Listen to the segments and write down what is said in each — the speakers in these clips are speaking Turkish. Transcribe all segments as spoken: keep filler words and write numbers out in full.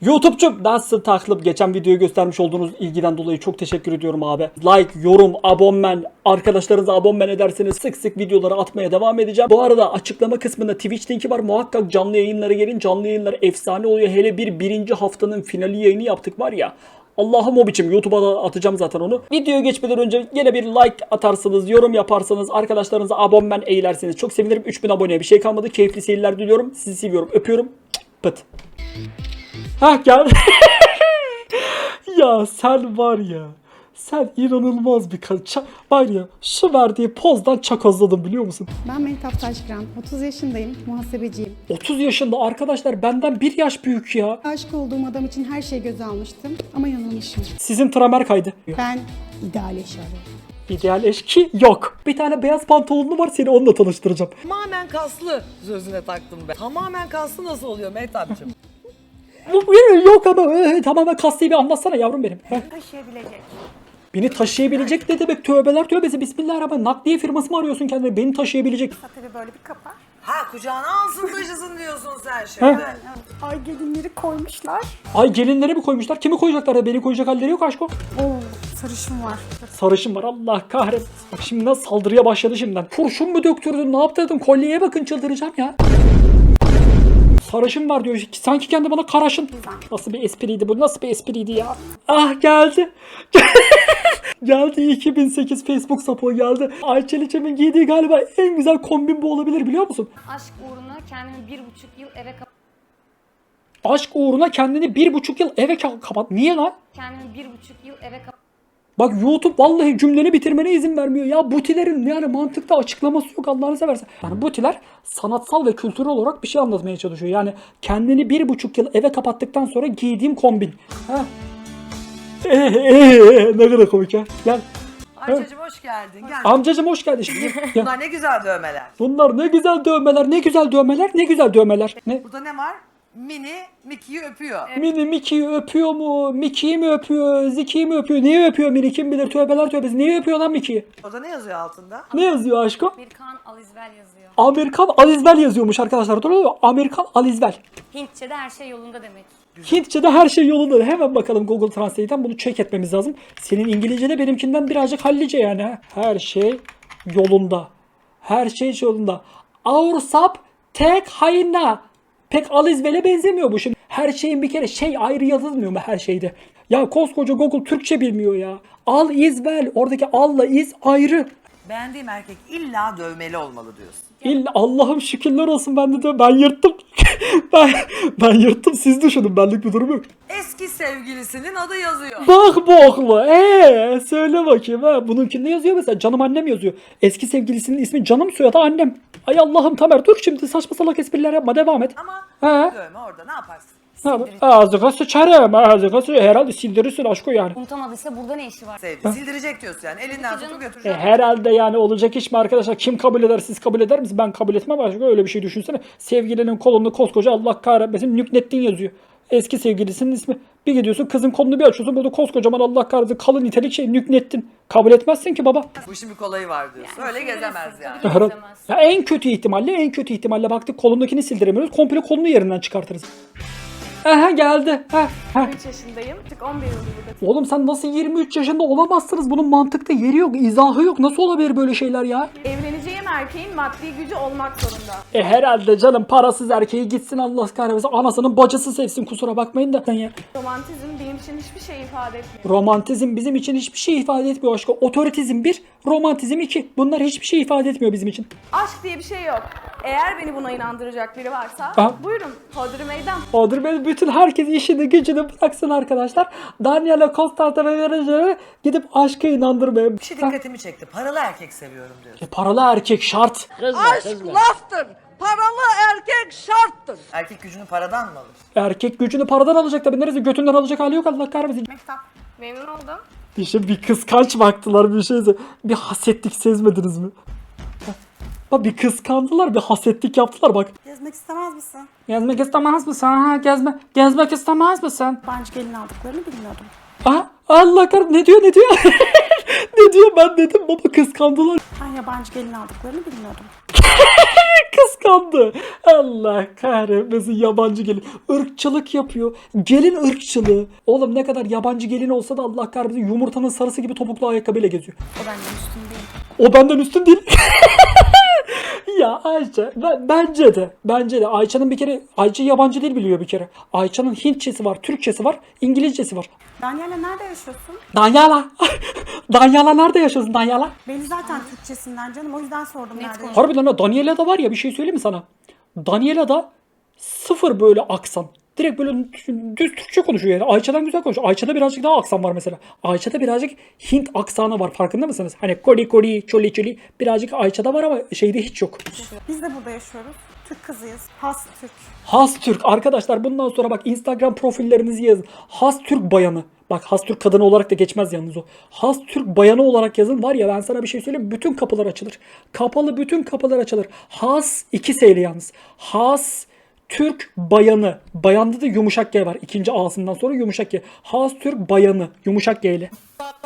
YouTube'cum nasıl takılıp geçen videoyu göstermiş olduğunuz ilgiden dolayı çok teşekkür ediyorum abi. Like, yorum, abonmen, arkadaşlarınıza abonmen ederseniz sık sık videoları atmaya devam edeceğim. Bu arada açıklama kısmında Twitch linki var. Muhakkak canlı yayınlara gelin. Canlı yayınlar efsane oluyor. Hele bir birinci haftanın finali yayını yaptık var ya. Allah'ım o biçim. YouTube'a da atacağım zaten onu. Videoya geçmeden önce yine bir like atarsınız, yorum yaparsanız, arkadaşlarınıza abonmen eğlerseniz çok sevinirim. üç bin aboneye bir şey kalmadı. Keyifli seyirler diliyorum. Sizi seviyorum. Öpüyorum. Pıt. Hah gel. Ya sen var ya. Sen inanılmaz bir kadın. Var ya şu verdiği pozdan çakozladım biliyor musun? Ben Mehtap Taşkıran, otuz yaşındayım, muhasebeciyim. otuz yaşında arkadaşlar, benden bir yaş büyük ya. Aşık olduğum adam için her şeyi göze almıştım ama yanılmışım. Sizin tramer kaydı. Ben ideal eş arıyorum. İdeal eşki yok. Bir tane beyaz pantolonlu var, seni onunla tanıştıracağım. Tamamen kaslı sözüne taktım ben. Tamamen kaslı nasıl oluyor Mehtap'cığım? Bu yok ama e, tamamen kastayı bir anlatsana yavrum benim. Heh. Taşıyabilecek. Beni taşıyabilecek ne demek? Tövbeler tövbesi, bismillahirrahmanirrahim. Nakliye firması mı arıyorsun kendine? Beni taşıyabilecek. Tabii böyle bir kapar. Ha kucağına alsın taşısın diyorsun sen şimdi. Ay gelinleri koymuşlar. Ay gelinlere mi koymuşlar? Kimi koyacaklar? Beni koyacak halleri yok aşko. Oo sarışın var. Sarışın var, Allah kahretsin. Bak şimdi nasıl saldırıya başladı şimdiden. Kurşun mu döktürdün, ne yaptırdın? Kolyeye bakın, çıldıracağım ya. Sarışın var diyor. Sanki kendi bana karaşın. Nasıl bir espriydi bu? Nasıl bir espriydi ya? Ah geldi. Geldi iki bin sekiz Facebook sapığı geldi. Ayçel İçem'in giydiği galiba en güzel kombin bu olabilir biliyor musun? Aşk uğruna kendimi bir buçuk yıl eve kapat. Aşk uğruna kendini bir buçuk yıl eve ka- kapat. Niye lan? Kendimi bir buçuk yıl eve kapat. Bak YouTube vallahi cümleni bitirmene izin vermiyor. Ya butilerin yani mantıkta açıklaması yok Allah'ını seversen. Yani butiler sanatsal ve kültürel olarak bir şey anlatmaya çalışıyor. Yani kendini bir buçuk yıl eve kapattıktan sonra giydiğim kombin. Ha? Ee, ee, ne kadar komik ya. Gel. Ayça'cığım hoş geldin. Gel. Amcacım hoş geldin. Şimdi. Gel. Bunlar ne güzel dövmeler. Bunlar ne güzel dövmeler, ne güzel dövmeler, ne güzel dövmeler. Ne? Burada ne var? Mini Mickey'yi öpüyor. Mini Mickey'yi öpüyor mu? Mickey'yi mi öpüyor? Ziki'yi mi öpüyor? Neyi öpüyor Mini? Kim bilir, tövbeler tövbesi. Neyi öpüyor lan Mickey'yi? Orada ne yazıyor altında? Ne yazıyor aşkım? Amerikan Alizvel yazıyor. Amerikan Alizvel yazıyormuş arkadaşlar. Doğru mu? Amerikan Alizvel. Hintçe'de her şey yolunda demek. Hintçe'de her şey yolunda. Hemen bakalım Google Translate'den bunu check etmemiz lazım. Senin İngilizce'de benimkinden birazcık hallice yani. Ha? Her şey yolunda. Her şey yolunda. Our sub tek hayna. Pek Alizvel'e benzemiyor bu şimdi. Her şeyin bir kere şey ayrı yazılmıyor mu her şeyde? Ya koskoca Google Türkçe bilmiyor ya. Al is well. Oradaki alla is ayrı. Beğendiğim erkek illa dövmeli olmalı diyorsun. İlla Allah'ım şükürler olsun, ben de diyorum. Ben yırttım. ben, ben yırttım, siz düşünün, benlik bir durum yok. Eski sevgilisinin adı yazıyor. Bak boklu. Eee söyle bakayım ha. Bununkinde yazıyor mesela. Canım annem yazıyor. Eski sevgilisinin ismi Canım, soyadı annem. Ay Allah'ım Tamer, dur şimdi saçma salak espriler yapma, devam et. Ama He. dövme orada ne yaparsın? Ağzına sıçarım. Ağzına sıçarım. Herhalde sildirirsin aşkı yani. Unutamadıysa burada ne işi var? Sevdi. Sildirecek diyorsun yani. Elinden tutup E, götürecek. herhalde yani olacak iş mi arkadaşlar? Kim kabul eder? Siz kabul eder misiniz? Ben kabul etmem aşkı. Öyle bir şey düşünsene. Sevgilinin kolunda koskoca Allah kahretmesin Nüknettin yazıyor. Eski sevgilisinin ismi. Bir gidiyorsun kızın kolunu bir açıyorsun. Burada koskocaman Allah kahretsin kalın nitelik şey Nüknettin. Kabul etmezsin ki baba. Bu işin bir kolayı var diyorsun. Öyle gezemez yani. Tabii ki Herhalde. gezemez. Ya en kötü ihtimalle en kötü ihtimalle baktık kolundakini sildiremiyoruz. Komple kolunu yerinden çıkartırız. Aha geldi. Ha, ha. üç yaşındayım. Tık on bir yıldır burada. Oğlum sen nasıl yirmi üç yaşında olamazsınız? Bunun mantıkta yeri yok, izahı yok. Nasıl olabilir böyle şeyler ya? Evleneceğim erkeğin maddi gücü olmak zorunda. E herhalde canım, parasız erkeği gitsin Allah kahretsin. Anasının bacısı sevsin, kusura bakmayın da. Ya. Romantizm benim için hiçbir şey ifade etmiyor. Romantizm bizim için hiçbir şey ifade etmiyor aşkı. Otoritizm bir, romantizm iki. Bunlar hiçbir şey ifade etmiyor bizim için. Aşk diye bir şey yok. Eğer beni buna inandıracak biri varsa Ha? buyurun hodri meydan. Odur ben bütün herkes işini gücünü bıraksın arkadaşlar. Daniela Constantin'e vereceğine gidip aşka inandırmaya. Bir şey dikkatimi çekti. Paralı erkek seviyorum diyorsun. E, paralı erkek şart. Aşk laftır. Paralı erkek şarttır. Erkek gücünü paradan mı alır? Erkek gücünü paradan alacak tabii. Neresi götünden alacak hali yok Allah kahretsin. Mehtap memnun oldum. Bir şey, bir kıskanç baktılar bir şeyse. Bir hasetlik sezmediniz mi? Bak bir kıskandılar, bir hasetlik yaptılar bak. Gezmek istemez misin? Gezmek istemez misin? Ha, gezme, gezmek istemez misin? Yabancı gelin aldıklarını bilmiyordum. Aha, Allah kahretsin, ne diyor ne diyor? Ne diyor, ben dedim baba kıskandılar. Ben yabancı gelin aldıklarını bilmiyordum. Kıskandı. Allah kahretmesin yabancı gelin. Irkçılık yapıyor. Gelin ırkçılığı. Oğlum ne kadar yabancı gelin olsa da Allah kahretmesin yumurtanın sarısı gibi topuklu ayakkabıyla geziyor. O benden üstün değil. O benden üstün değil. Ya Ayça ben, bence de bence de Ayça'nın bir kere Ayça yabancı dil biliyor bir kere. Ayça'nın Hintçesi var, Türkçesi var, İngilizcesi var. Daniela nerede yaşıyorsun? Danyala. Danyala nerede yaşıyorsun Danyala? Beni zaten Türkçesinden canım, o yüzden sordum nerede yaşıyorsun. Harbiden ha Daniela'da var ya bir şey söyleyeyim mi sana? Daniela'da sıfır böyle aksan. Direkt böyle düz Türkçe konuşuyor yani. Ayça'dan güzel konuşuyor. Ayça'da birazcık daha aksan var mesela. Ayça'da birazcık Hint aksanı var farkında mısınız? Hani koli koli çoli çoli birazcık Ayça'da var ama şeyde hiç yok. Biz de burada yaşıyoruz. Türk kızıyız. Has Türk. Has Türk arkadaşlar bundan sonra bak Instagram profillerinizi yazın. Has Türk bayanı. Bak Has Türk kadını olarak da geçmez yalnız o. Has Türk bayanı olarak yazın var ya ben sana bir şey söyleyeyim bütün kapılar açılır. Kapalı bütün kapılar açılır. Has iki S yalnız. Has Türk bayanı. Bayanda da yumuşak G var. İkinci A'sından sonra yumuşak G. Has Türk bayanı. Yumuşak G ile.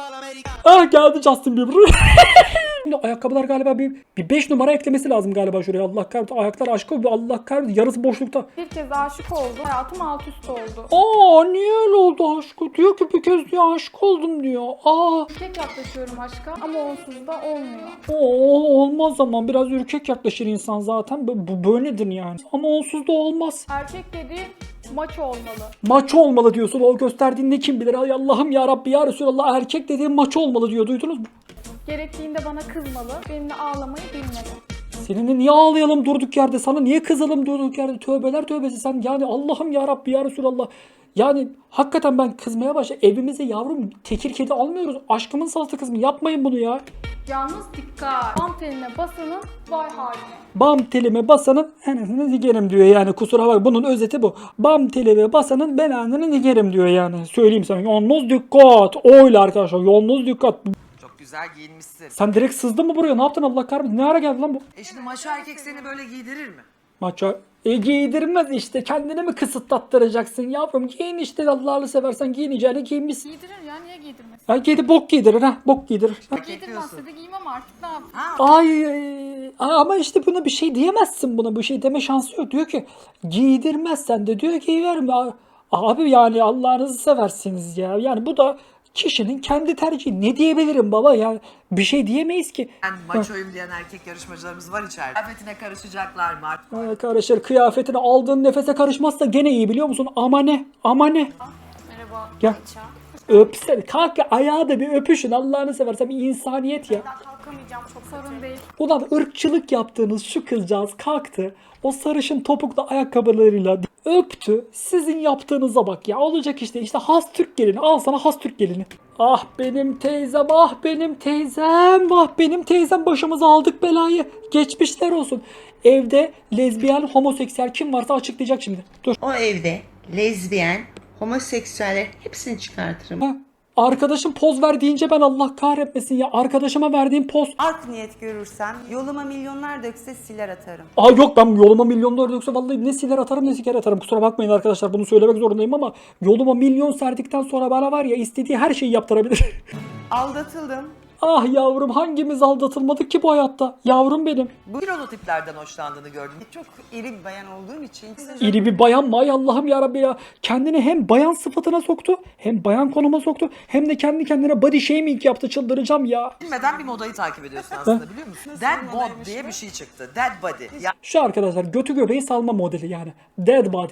Ah geldi Justin Bieber. Şimdi ayakkabılar galiba bir bir beş numara eklemesi lazım galiba şuraya. Allah kahretsin. Ayaklar aşk oldu. Allah kahretsin. Yarısı boşlukta. Bir kez aşık oldum. Hayatım alt üst oldu. Aa niye öyle oldu aşkı? Diyor ki bir kez diyor aşık oldum diyor. Aa. Tek yaklaşıyorum aşka ama onsuz da olmuyor. Oo, olmaz ama biraz ürkek yaklaşır insan zaten. Bu, bu böyledir yani. Ama onsuz da olmaz. Erkek dediğin maç olmalı. Maç olmalı diyorsun. O gösterdiğin ne kim bilir. Ay Allah'ım ya Rabbi ya Resulallah erkek dediğin maç olmalı diyor. Duydunuz mu? Gerektiğinde bana kızmalı. Benimle ağlamayı bilmeli. Seninle niye ağlayalım durduk yerde? Sana niye kızalım durduk yerde? Tövbeler tövbesi sen. Yani Allah'ım ya Rabbi ya Resulallah. Yani hakikaten ben kızmaya başladım. Evimize yavrum tekir kedi almıyoruz. Aşkımın salata kızım. Yapmayın bunu ya. Yalnız dikkat. Bam teline basanın vay haline. Bam telime basanın enasını digerim diyor yani kusura bak bunun özeti bu. Bam telime basanın belanını digerim diyor yani. Söyleyeyim sana yalnız dikkat. Öyle arkadaşlar yalnız dikkat. Çok güzel giyinmişsin. Sen direkt sızdın mı buraya? Ne yaptın Allah kahretsin? Ne ara geldi lan bu? E şimdi maço erkek seni böyle giydirir mi? Maça. E giydirmez işte. Kendini mi kısıtlattıracaksın yavrum? Giyin işte Allah'ını seversen giyineceğini giyinmişsin. Giydirir ya niye giydirmesin? Ha giydi bok giydirir ha. Bok giydirir. Ha. Giydirmezse de giymem artık ne yapayım? Ay, ay, ama işte buna bir şey diyemezsin buna. Bir şey deme şansı yok. Diyor ki giydirmezsen de diyor ki verme. Abi yani Allah'ınızı seversiniz ya. Yani bu da kişinin kendi tercihi. Ne diyebilirim baba yani bir şey diyemeyiz ki. Ben maçoyum diyen erkek yarışmacılarımız var içeride. Kıyafetine karışacaklar mı artık? Ay, karışır kıyafetine aldığın nefese karışmazsa gene iyi biliyor musun? Ama ne? Ama ne? Merhaba. Gel. Ayça. Öpsene. Kalk ya, ayağı da bir öpüşün. Allah'ını seversen bir insaniyet ya. Kalkamayacağım çok Sorun değil. Ulan ırkçılık yaptığınız şu kızcağız kalktı. O sarışın topuklu ayakkabılarıyla öptü. Sizin yaptığınıza bak ya. Olacak işte. İşte has Türk gelini. Al sana has Türk gelini. Ah benim teyzem, ah benim teyzem, ah benim teyzem başımıza aldık belayı. Geçmişler olsun. Evde lezbiyen, homoseksüel kim varsa açıklayacak şimdi. Dur. O evde lezbiyen, homoseksüeller hepsini çıkartırım. Ha. Arkadaşım poz ver deyince ben Allah kahretmesin ya. Arkadaşıma verdiğim poz. Art niyet görürsem yoluma milyonlar dökse siler atarım. Aa yok ben yoluma milyonlar dökse vallahi ne siler atarım ne siker atarım. Kusura bakmayın arkadaşlar bunu söylemek zorundayım ama yoluma milyon serdikten sonra bana var ya istediği her şeyi yaptırabilir. Aldatıldım. Ah yavrum hangimiz aldatılmadık ki bu hayatta? Yavrum benim. Bu kilolu tiplerden hoşlandığını gördüm. Çok iri bir bayan olduğum için İri bir bayan mı? Ay Allah'ım yarabbi ya. Kendini hem bayan sıfatına soktu hem bayan konuma soktu hem de kendi kendine body shaming yaptı çıldıracağım ya. Bilmeden bir modayı takip ediyorsun aslında biliyor musun? Dead bod diye bir şey çıktı. Dead body. Ya Şu arkadaşlar götü göbeği salma modeli yani. Dead body.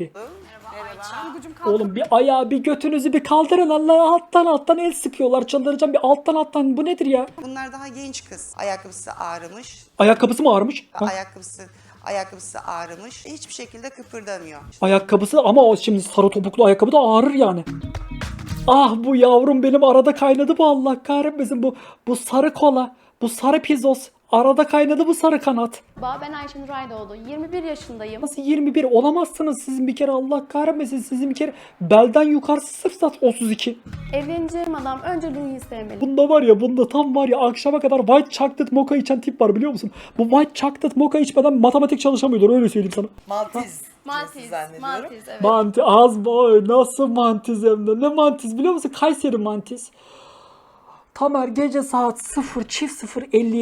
Oğlum bir ayağı bir götünüzü bir kaldırın Allah alttan alttan el sıkıyorlar çıldıracağım bir alttan alttan bu nedir ya? bunlar daha genç kız. Ayakkabısı ağrımış. Ayakkabısı mı ağrımış? Ha? Ayakkabısı ayakkabısı ağrımış. Hiçbir şekilde kıpırdamıyor. Ayakkabısı ama o şimdi sarı topuklu ayakkabı da ağrır yani. Ah bu yavrum benim arada kaynadı bu Allah kahretmesin bu bu sarı kola bu sarı pizos arada kaynadı bu sarı kanat. Ben Ayşenur Aydoğdu. yirmi bir yaşındayım. Nasıl yirmi bir olamazsınız sizin bir kere Allah kahretmesin sizin bir kere belden yukarısı sırf sat otuz iki. Evleneceğim adam önce Louis'i sevmeli. Bunda var ya bunda tam var ya akşama kadar white chocolate mocha içen tip var biliyor musun? Bu white chocolate mocha içmeden matematik çalışamıyordur öyle söyleyeyim sana. Maltiz. Maltiz, zannediyorum. Maltiz evet. Manti az boy nasıl mantiz hem de ne mantiz biliyor musun? Kayseri mantiz. Tamer gece saat sıfır çift sıfır elli yedi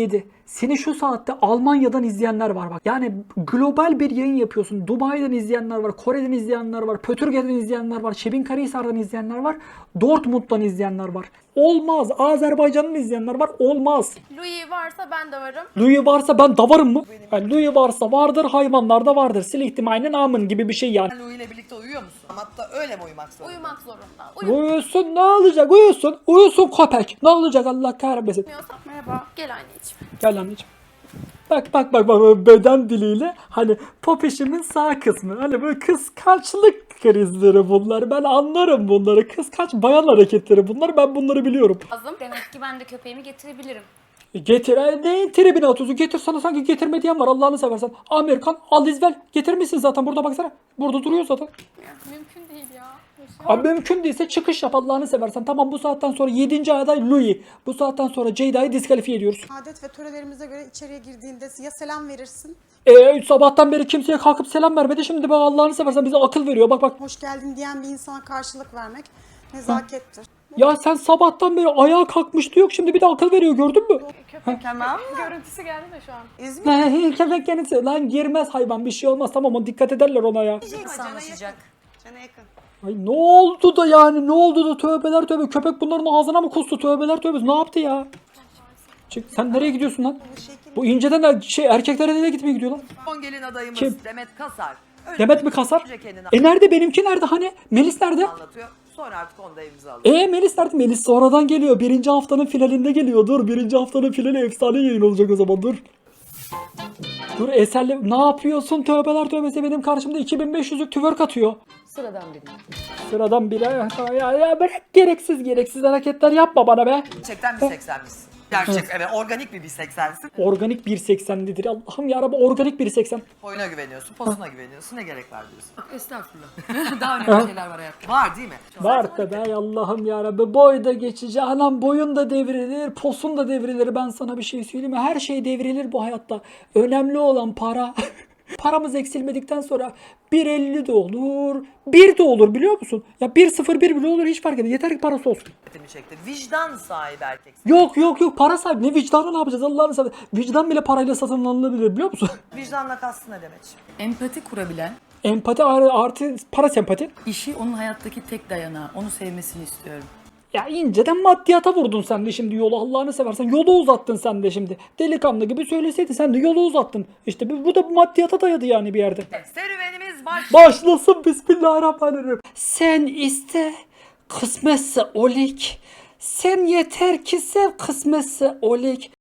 seni şu saatte Almanya'dan izleyenler var bak. Yani global bir yayın yapıyorsun. Dubai'den izleyenler var, Kore'den izleyenler var, Pötürge'den izleyenler var, Şebinkarahisar'dan izleyenler var, Dortmund'dan izleyenler var. Olmaz. Azerbaycan'dan izleyenler var. Olmaz. Louis varsa ben de varım. Louis varsa ben davarım mı? Yani Louis varsa vardır, hayvanlar da vardır. Sil ihtimalinin amın gibi bir şey yani. Louis ile birlikte uyuyor musun? Hatta öyle mi uyumak zorunda? Uyumak zorunda. Uyusun ne olacak? Uyusun. Uyusun köpek. Ne olacak Allah kahretmesin. Uyumuyorsan Merhaba. gel anneciğim. Gel anneciğim. Bak bak bak bak beden diliyle hani popişimin sağ kısmı. Hani böyle kıskançlık krizleri bunlar. Ben anlarım bunları. Kıskanç bayan hareketleri bunlar. Ben bunları biliyorum. Lazım. Demek ki ben de köpeğimi getirebilirim. E Getir. e, Neyin tribine atıyorsun? Getir sana sanki getirme diyen var. Allah'ını seversen. Amerikan al izvel. Getirmişsin zaten. Burada baksana. Burada duruyor zaten. Mümkün değil ya. Abi mümkün değilse çıkış yap Allah'ını seversen. Tamam bu saatten sonra yedinci aday Louis. Bu saatten sonra Ceyda'yı diskalifiye ediyoruz. Adet ve törelerimize göre içeriye girdiğinde ya selam verirsin, Eee sabahtan beri kimseye kalkıp selam vermedi. Şimdi bak Allah'ını seversen bize akıl veriyor. Bak bak. hoş geldin diyen bir insana karşılık vermek nezakettir. Ya sen sabahtan beri ayağa kalkmıştı yok. Şimdi bir de akıl veriyor gördün mü? Tamam. Görüntüsü geldi de şu an. İzmir Köpek kendisi. Lan girmez hayvan bir şey olmaz. Tamam o dikkat ederler ona ya. Nasıl anlaşacak? Cana yakın. Ay ne oldu da yani ne oldu da tövbeler tövbe. Köpek bunların ağzına mı kustu tövbeler tövbe. Ne yaptı ya? Çık sen nereye gidiyorsun lan? Bu inceden de şey erkeklere nereye gitmeye gidiyor lan? son gelin adayımız Kim? Demet Kasar. Önce Demet mi kasar? kendini E nerede benimki nerede hani? Melis nerede? anlatıyor. Sonra artık onu da evimize alıyor. E Melis nerede? Melis sonradan geliyor. Birinci haftanın finalinde geliyor. Dur birinci haftanın finali efsane yayın olacak o zaman dur. Dur Eser'le ne yapıyorsun? Tövbeler tövbesi benim karşımda iki bin beş yüzlük twerk atıyor. Sıradan biri. Sıradan biri. Ya, ya bırak gereksiz gereksiz hareketler yapma bana be. Gerçekten bir seksenmişsin. Gerçek evet organik bir bir seksensin. Organik bir seksenlidir. Allah'ım yarabbim organik bir seksen. Boyuna güveniyorsun, posuna güveniyorsun. Ne gerek var diyorsun. Estağfurullah. Daha önemli şeyler var hayatta. Var değil mi? Var tabi Allah'ım yarabbim. Boy da geçici. Anam boyun da devrilir. Posun da devrilir. Ben sana bir şey söyleyeyim mi? Her şey devrilir bu hayatta. Önemli olan para. Paramız eksilmedikten sonra bir elli de olur, bir de olur biliyor musun? Ya bir sıfır bir bile olur hiç fark etmez. Yeter ki parası olsun. Dikkatimi çekti. Vicdan sahibi erkeksin. Yok yok yok para sahibi. Ne vicdanı ne yapacağız Allah'ını seversen. Vicdan bile parayla satın alınabilir biliyor musun? Vicdanla kastı ne demek? Empati kurabilen, Empati artı, artı para sempati. işi onun hayattaki tek dayanağı, onu sevmesini istiyorum. Ya inceden maddiyata vurdun sen de şimdi yolu Allah'ını seversen. Yolu uzattın sen de şimdi. Delikanlı gibi söyleseydi sen de yolu uzattın. İşte bu, bu da maddiyata dayadı yani bir yerde. Serüvenimiz baş. Başlasın bismillahirrahmanirrahim. Sen iste kısmetse olik. Sen yeter ki sev kısmetse olik.